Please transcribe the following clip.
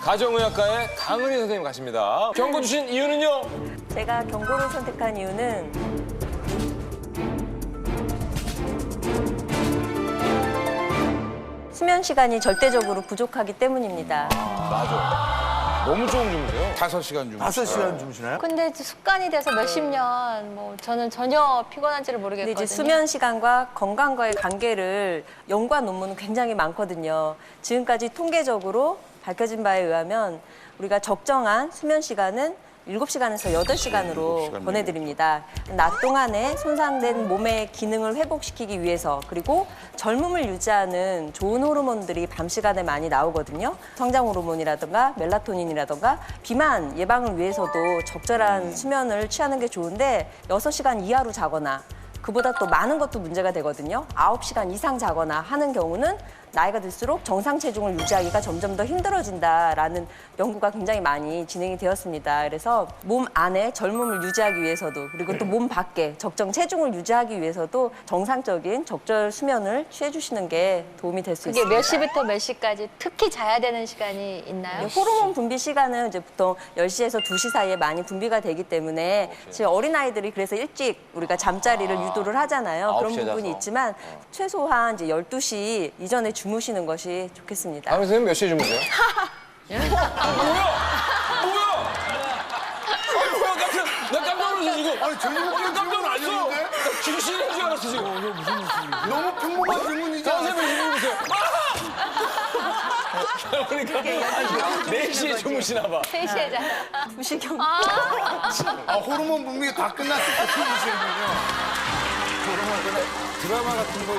가정의학과의 강은희 선생님 가십니다. 경고 주신 이유는요? 제가 경고를 선택한 이유는 수면 시간이 절대적으로 부족하기 때문입니다. 맞아. 너무 좋은 주무세요. 5시간 주무. 5시간 주무시나요? 근데 이제 습관이 돼서 몇십 년, 저는 전혀 피곤한지를 근데 모르겠거든요. 이제 수면 시간과 건강과의 관계를 연구한 논문은 굉장히 많거든요. 지금까지 통계적으로 밝혀진 바에 의하면 우리가 적정한 수면 시간은 7시간에서 8시간으로 보내드립니다. 낮 동안에 손상된 몸의 기능을 회복시키기 위해서 그리고 젊음을 유지하는 좋은 호르몬들이 밤 시간에 많이 나오거든요. 성장 호르몬이라든가 멜라토닌이라든가 비만 예방을 위해서도 적절한 수면을 취하는 게 좋은데 6시간 이하로 자거나 그보다 또 많은 것도 문제가 되거든요. 9시간 이상 자거나 하는 경우는 나이가 들수록 정상 체중을 유지하기가 점점 더 힘들어진다라는 연구가 굉장히 많이 진행이 되었습니다. 그래서 몸 안에 젊음을 유지하기 위해서도 그리고 또 몸 밖에 적정 체중을 유지하기 위해서도 정상적인 적절 수면을 취해주시는 게 도움이 될 수 그게 있습니다. 몇 시부터 몇 시까지 특히 자야 되는 시간이 있나요? 호르몬 분비 시간은 이제 보통 10시에서 2시 사이에 많이 분비가 되기 때문에 지금 어린아이들이 그래서 일찍 우리가 잠자리를 유도를 하잖아요. 그런 9시에 부분이 자서. 있지만 최소한 이제 12시 이전에 주무시는 것이 좋겠습니다. 강은희 선생님 몇 시에 주무세요? 뭐야? 나 깜짝 놀랐어 지금. 아니 전문적인 질문 아니었는데? 나 귀신인 줄 알았어 지금. 너무 평범한 질문이잖아. 선생님 주무세요. 그러니까 4시에 주무시나 봐. 3시에 자. 2시경. 아 호르몬 분비가 다 끝났을 때 주무시는군요. 드라마 같은 거